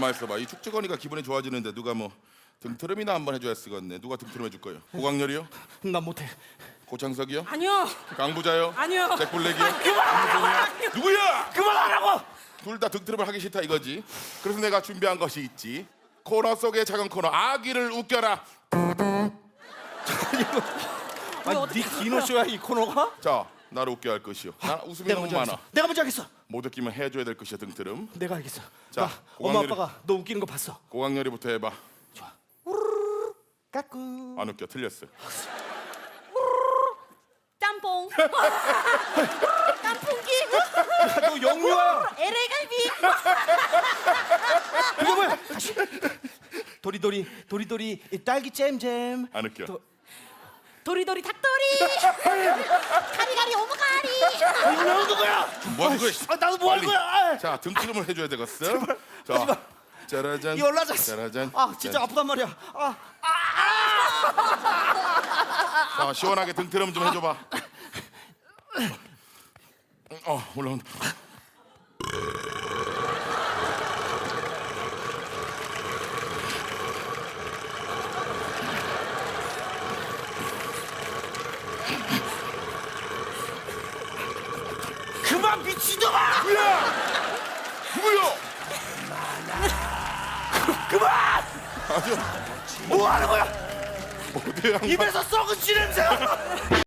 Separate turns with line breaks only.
가만 있어봐. 이 축축거니까 기분이 좋아지는데 누가 뭐 등트름이나 한번 해줘야 쓰겠네. 누가 등트름 해줄 거예요? 고광렬이요?
난 못해.
고창석이요?
아니요.
강부자요?
아니요.
잭블랙이요?
그만하라고.
누구야?
그만하라고.
둘 다 등트름을 하기 싫다 이거지. 그래서 내가 준비한 것이 있지. 코너 속의 작은 코너 아기를 웃겨라.
아니 네 디노쇼야 이 코너가?
자, 나를 웃게 할 것이요. 나 웃음이
내가
너무
먼저
많아.
하겠어. 내가 먼저 하겠어.
못 웃기면 해줘야 될 것이야 등트름.
내가 알겠어.
자,
엄마
고광렬이-
아빠가 너 웃기는 거 봤어.
고광렬이부터 해봐.
까꿍.
안 웃겨. 틀렸어.
짬뽕. 깐풍기.
너 영유야.
LA 갈비.
그게 뭐야? 다시. 도리도리 딸기 잼잼.
안 웃겨.
도리도리 닭도리. 가리가리 오므가리.
이거 나온 거야.
뭐 하는 거야?
아 나도 뭐 하는
빨리.
거야?
자, 등트름을 해줘야 되겠어.
하지 마.
자, 짜라잔.
이 올라자.
짜라잔.
아 진짜 아프단 말이야.
자, 시원하게 등트름 좀 해줘봐. 올라온다.
그만 미친놈아.
누구야?
그만.
아주
뭐 하는 거야?
모대양
입에서 썩은 씨 냄새.